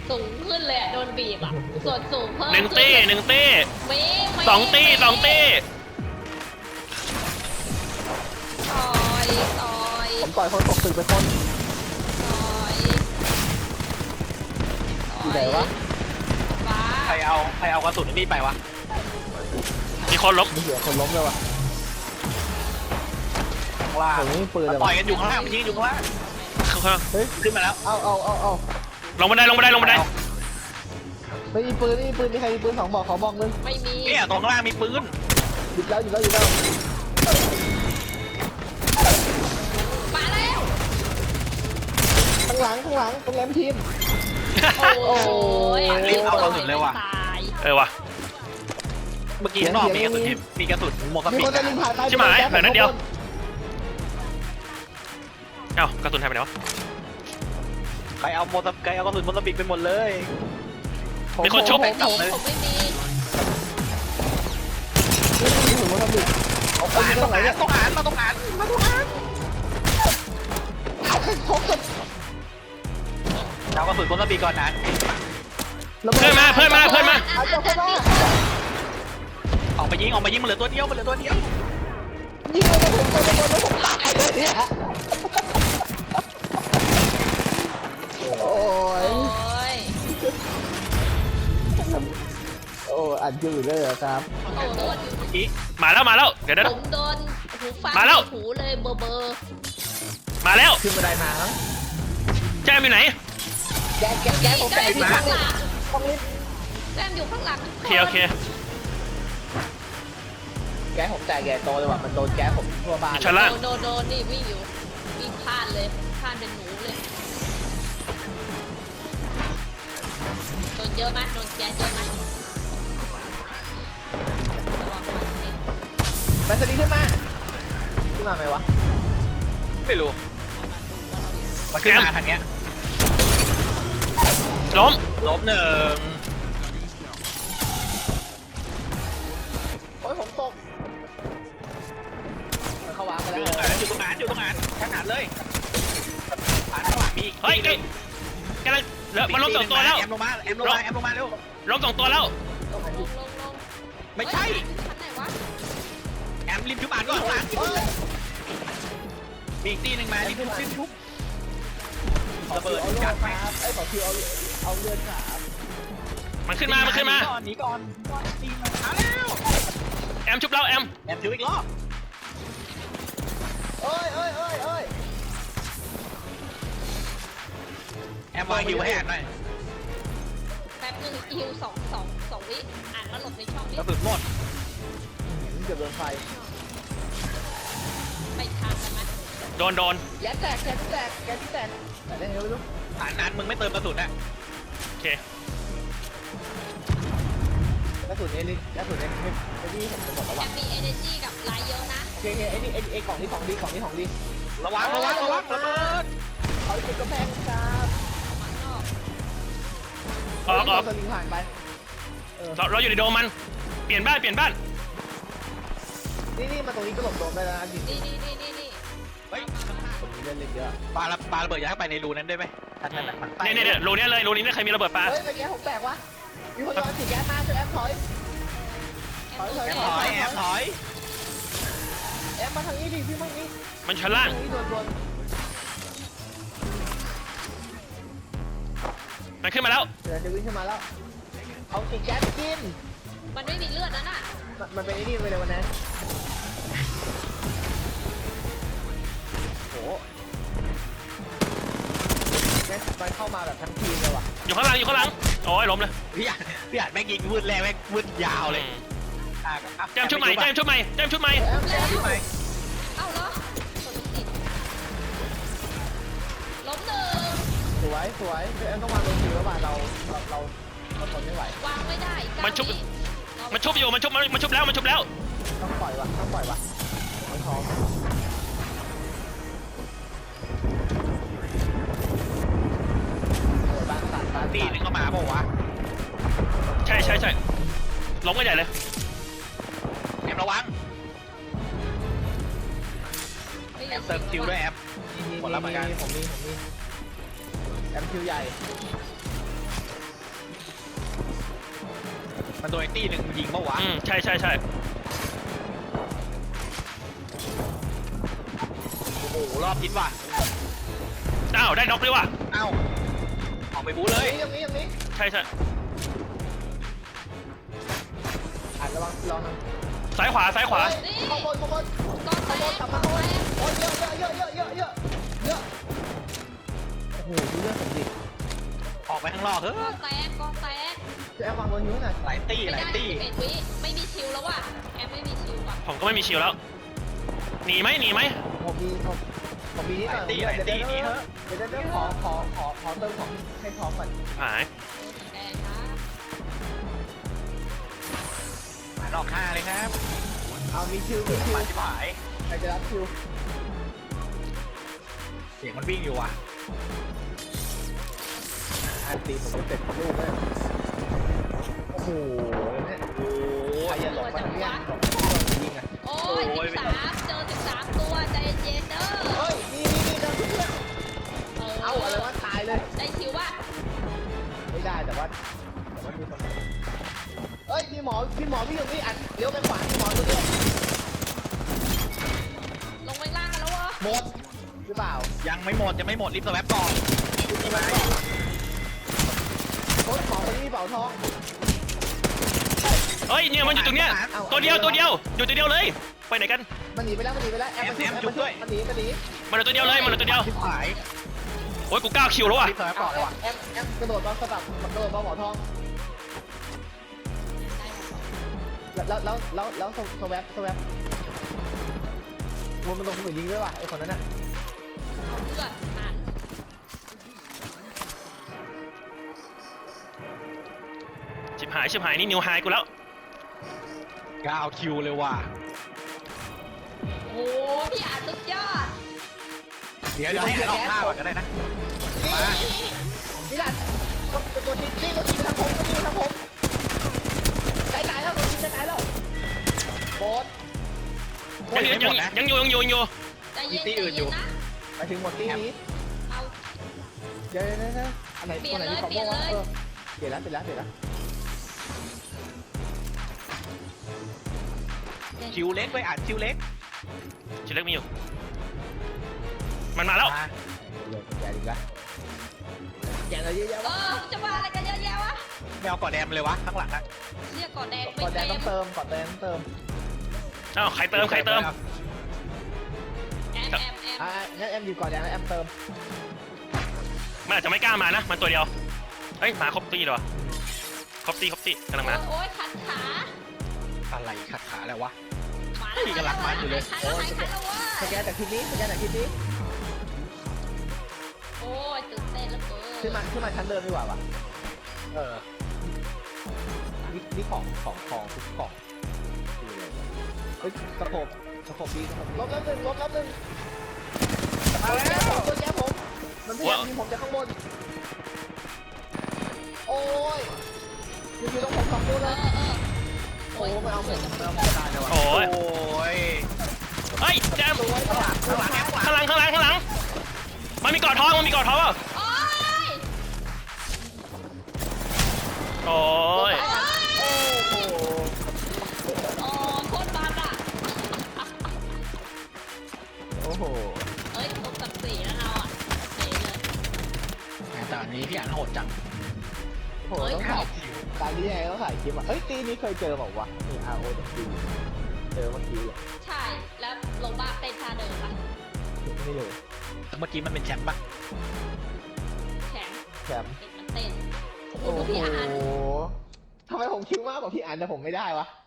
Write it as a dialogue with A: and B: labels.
A: สูงขึ้นเลยอะโดนบีบอ่ะส่วนสูงเพิ่ม
B: หนึ่งตี้
A: มี
B: สองตี้
A: ต่อย
C: ผมต่อยคนตกตึกไปคน
A: ต่อย
C: อยู่ไหนวะ
A: ฟ้า
D: ใครเอากระสุนนี่ไปวะ
B: มีคนล้ม
C: มีเหี้ยคนล้มเลยวะ
D: ข้างล่าง
C: ผมไม่มีปืนเลย
D: ต่อ
C: วะ
D: ยกันอยู่ข้างล่างมันยิงอยู่ข้างล่าง
C: เฮ้ย
D: ขึ้นมาแล้ว
C: เอา
B: ลงบันได
C: ไม่มีปืนมีใครมีปืน2 บอกขอบอกนึง
A: ไม่มี
D: เนี่ยตรงข้างล่างมีปืน
C: หยุดแล้ว
A: มาแล้ว
C: ข้างหลังตรงแรมทีม
A: โอ้ย
D: รีบเอากระสุนเลยว่ะ
A: ตาย
B: ว่ะ
D: เมื่อกี้ข้างนอกมีกระสุนโมซัม
C: มี
D: บิ
C: ค
D: ก
C: นจะลิงผ่านไป
B: ชิบหายเหลือนัดเดียว เอ้ากระสุนหายไปไหนวะ
D: ใครเอากระสุนโมซัมบิกไปหมดเลย
B: มีคนชุบ
A: ไม่มีผมไม่มี
C: นี่ผมว่าทำดิ
D: ต้องอ่านมาต้องอ่าน เอากระสุนโมซัมบิกก่อนนะ
B: เพื่อนมา
C: เอาเจ้าเข้ามา
D: ออกมายิงมันเหลือตัวเดียว
C: ยิงเลยผมผมตายเลยเนี่ยโอ้ย
A: โอ้ย
C: อัดอยู่เลยเหรอครับ
A: โอ้โดน
D: อีก
B: มาแล้วเดี๋ยว
A: ผมโดนหูฟัง
B: มาแล้ว
A: หูเลยเบอร์
B: มาแล้ว
C: ขึ้นบันไดมาครับ
B: แจมอยู่ไหน
C: แกผม
A: แจ
C: แตะ
A: มอยู่
C: มา
A: ข้างหลัง
C: ต้องรีบ
A: แจมอยู่ข้างหลัง
B: โอเค
C: แกผมแตะแกโตเลยว่ะมันโดนแกผมทั่วบ้าน
B: ชั้นล่าง
A: โดนนี่วิ่งอยู่วิ่งพลาดเลยพลาดเป็นหนูเลยโดนเยอะไหมโดนแก๊สเยอะไหมระวังมันสิ
C: แบตเตอรี่ขึ้นมาไหมวะ
D: ไม่รู้มันขึ้นมาทางเนี้ย
B: ล้ม
D: ล้มหนึ่ง
C: โอ้ยผมตกมันเข้าวางไป
D: อ
C: แล้ว
D: ยู่ตรงนั้นขนาดเลยผ่านข้างหลังมี
B: เฮ้ยกำลังมันล้ม2 ตัวแล้ว
D: แอมลงมาเร็ว
B: ล้ม2 ตัวแล้ว
A: ลง
D: ไม่ใช่
A: ชั้นไหนวะ
D: แอมริมชุบอ่านก่อนข้างหลังมีอีกตีหนึ่งมาริมชุบระเบิด
C: เอา
D: จัดไป
C: ไอ้ขอคิวเอาเลือดขา
B: มันขึ้นมา
D: หนีก่อนตีมาแล้ว
B: แอมชุบแล้วแอม
D: แอมชุบอีกรอบ
C: เอ้ย
D: แอมวางฮิวให้แอมหน่อย
A: แป๊บนึงฮิวสองวิอ่านแล้วหลบในช่องนี้
D: กระสุนหมด
C: เกือบโดนไฟ
A: ไปทางกันไหม
B: โดน
C: แกแตกแต่ได้ไงไม่รู้
D: อ่านนั้นมึงไม่เติมกระสุนอ่ะ
B: โอเค
C: กระสุนเอลิกระสุนเอลินี่ผมจะหมดแล้ว
A: แอ
C: ว่ะ
A: มมี energy กับไลท์เยอะนะ
C: โอเคไอ้นี่ของดีของดี
D: ระวังระเบิด
C: เขาติดกระแพงครับ
A: มันนอก
B: ออก
C: สลิงผ่านไป
B: เราอยู่ในโดมมันเปลี่ยนบ้าน
C: นี่มาตรงนี้ก็หลบโดนได้แล้วนะจริง
A: นี่
D: เฮ้ย
C: ผมมีเล่นเยอะ
D: ปาระเบิดอย่าให้ไปในรูนั้นได้ไหมทันนั้น
B: เนี่ยรูนี้เลยรูนี้ไม่เคยมีระเบิดปลา
C: เฮ้ยเมื่อกี้ผมแตกวะมีคนโดนสีแก๊สมาช่วยแอมถอย
D: แอมถอย
C: แอมมาทางนี้ดิพี่มั่งนี่
B: มันชั้นล่าง
C: ทางนี้โดน
B: มันขึ้นมาแล้ว
C: เดี๋ยวจะวิ่งขึ้นมาแล้วเอาสีแก๊สกิน
A: มันไม่มีเลือดนั่นน่ะ
C: มันเป็นไอ้นี่ไปเลยวันนั้นโหมันเข้ามาแบบทั้งทีมเลยว่ะ
B: อยู่ข้างหลังโอ้ยล้มเลย
D: พี่อ่านแม่งยิงวืดแรงแม่งวืดยาวเลย
B: แจมชุบใหม่
C: แอม
A: เอ้าเหรอล้มหนึ่ง
C: สวยแอมต้องวางลงทีแล้วว่ะเราทนไม่ไหว
A: วางไม่ได้
B: มันชุบอยู่มันชุบแล้ว
C: ต้องปล่อยว่ะไม่ท้องบ้านสั่น
D: ตีนึงเข้ามาบอกว่า
B: ใช่ล้มกันใหญ่เลย
D: แอมระวัง
A: ไม่
D: แอ
A: มี
D: มเติมคิวด้วยแอม หมดแล้วเหมือนกัน
C: ผมมีแอมคิวใหญ่
D: มันโดนไอ้ตี้หนึ่งยิงเมื่อวะ
B: ใช่ใช่ใช่
D: โอ้โหรอบทิศว่ะ
B: อ้าวได้น็อกด้วยว่ะ
D: เอ้าออกไปบู๊เลย
C: อย่างนี้
B: ใช่ใช่
C: อ่านระวังลองนะ
B: ซ้ายขวาซ้ายขวา
A: นี่
C: ข้างบน
A: ก้อนแตก
C: กลับมาโอ้ยเยอะโอ้โหดูเรื่องผมดิ
D: ออกไปข้างนอกเถอะ
A: ก้อนแตก
C: จะแอบวางบนนู้นน่ะ
D: หลายตี้
A: ไม่
D: หลาย
A: ได้
D: ตี้
A: 11 วิไม่มีชิลแล้วว่ะแอมไม่มีชิลว่ะ
B: ผมก็ไม่มีชิลแล้วหนีไหมหนีไหม
C: ผมมีนิดหน่อยเดี๋ยวขอเติมของให้พร้อมก่อน
B: หาย
A: แดงครับ
D: หมายนอก5เลยครับ
C: เอามีคิว
D: มาชิบหาย
C: ใครจะรับคิว
D: เสียงมันวิ่งอยู่ว่ะ
C: อันตีผมจะเสร็จลูกเลยโอ้โหเนี่ย
D: โอ้
C: ใคร
D: ย
C: จะหลบมาทางเนี้ยยิงอ่ะ
A: โอ้ย13เจอ13ตัวใจเย็นเด้อ
C: เฮ้ยนี่เดินเพื่อนเอาอะไรวะตายเลย
A: ได้ชิวว่ะ
C: ไม่ได้แต่ว่ามีคนเฮ้ยพี่หมอวิ่งอยู่นี่อัดเลี้ยวไปขวาพี่หมอตัวเดียว
A: ลงไปล่างกันแล้ววะ
C: หมดหรือเปล่า
D: ยังไม่หมดรีบสแวปก่อน
C: โค้ชหมอคนนี้มีเป๋าทอง
B: เฮ้ยเนี่ยมันอยู่ตรงเนี้ยตัวเดียวอยู่ตัวเดียวเลยไปไหนกัน
C: มันหนีไปแล้วแอมมันหนี
B: มันเหลือตัวเดียวเลยมันเหลือตัวเดียว
D: ชิบหาย
B: โอ้ยกู9 คิวแล้วว่ะ
D: รีบสแวปก่อนเลยว่ะ
C: แอมกระโดดมาสลับมันกระโดดมาหมอทองแล้วสแวปมันลงมือยิงด้วยว่ะไอ้คนนั้นน่ะ
A: เอาเลือดหัน
B: ชิบหายนี่นิวไฮกูแล้ว
D: 9 คิวเลยว่ะ
A: โอ้พี่อาสุดยอด
D: เดี๋ยวให้ออกหน้าก่อนก็ได้นะ
C: นี่แหละตัวทีนี่ตัวทีทางผมตายแล้วตัวทีตายแล้วโบส
B: ยังอยู่
A: ใจเย็นนะ
C: ไปถึงหมดที่นี้
A: เอา
C: เดี๋ยวอันไหนตัวไหนที่ของโม่วะเปลี่ยนแล้ว
D: คิวเล็กไปอ่านคิวเล็ก
B: ชิลเล็กมีอยู่มันมาแล้ว
C: แกอะไรเยอะแยะ
A: เอ
C: วะ
A: อจะมาอะไรกันเยอะแยะวะ
D: ไม่เอาก่อนแดมเลยวะข้างหลังอะ
A: เรียกก่อนแดง
C: ก่อนแดง
A: เต็
C: ต้อ
A: ม
C: งเติมก่อนแดงเติม
B: อ้าวใครเติม
A: แอม
C: งั้นแอมอยู่ก่อนแดงแล้วแอมเติม
B: มันอาจจะไม่กล้ามานะมันตัวเดียวเฮ้ยมาครบตีเหรอครบตีกำลังมา
A: โอ้ยขันขา
D: อะไรขัดขาแล้ววะ
A: ขาแล้ววะ
C: สแกนจากทีนี้
A: โอ้ยตื่นเต้นแล้วเกิน
C: ขึ้นมาชั้นเดิมดีกว่าวะ
D: เออ
C: นี่ของทุกกล่องเฮ้ยกระโปงดีลบแล้วหนึ่งตัวแก้ผมมันพยายามยิงผมจากข้างบนโอ้ยอยู่ตรงผม2ตัวเลยโอ้ไม่เอาผมตายเลยว่ะ
B: โอ้ย
D: โอ้ย
B: เฮ้ยแจม
C: ตัวไว้ข้างหลัง
B: ข้างหลังมันมีกอดท้องเปล่า
A: โอ้ย
B: โอ้ย
C: โอ้โห
A: โอ้โคตรบาดอ่ะ
C: โอ้โห
A: เอ้ยตกกับสีแล้วเราอ่ะเจ๋เลย
D: แต่อันนี้พี่อ่านโหดจัง
C: โอ้โหต้องถ่ายตอนนี้ยังไงต้องถ่ายคลิปอ่ะเอ้ยตีนี้เคยเจอบอกว่านี่ RO ต้องดูเจอเมื่อกี้เลย
A: ใช่แล้วลงบ้าเต้นท่าเดิมปะ
C: ไม่เลย
D: เมื่อกี้มันเป็นแชมป์ปะ
A: แข็ง
C: แชมป์
A: เต้นมันเต้นโอ้โห
C: โอ้โห
A: พี่อ่าน
C: ทำไมผมคิดมากกว่าพี่อ่านแต่ผมไม่ได้วะ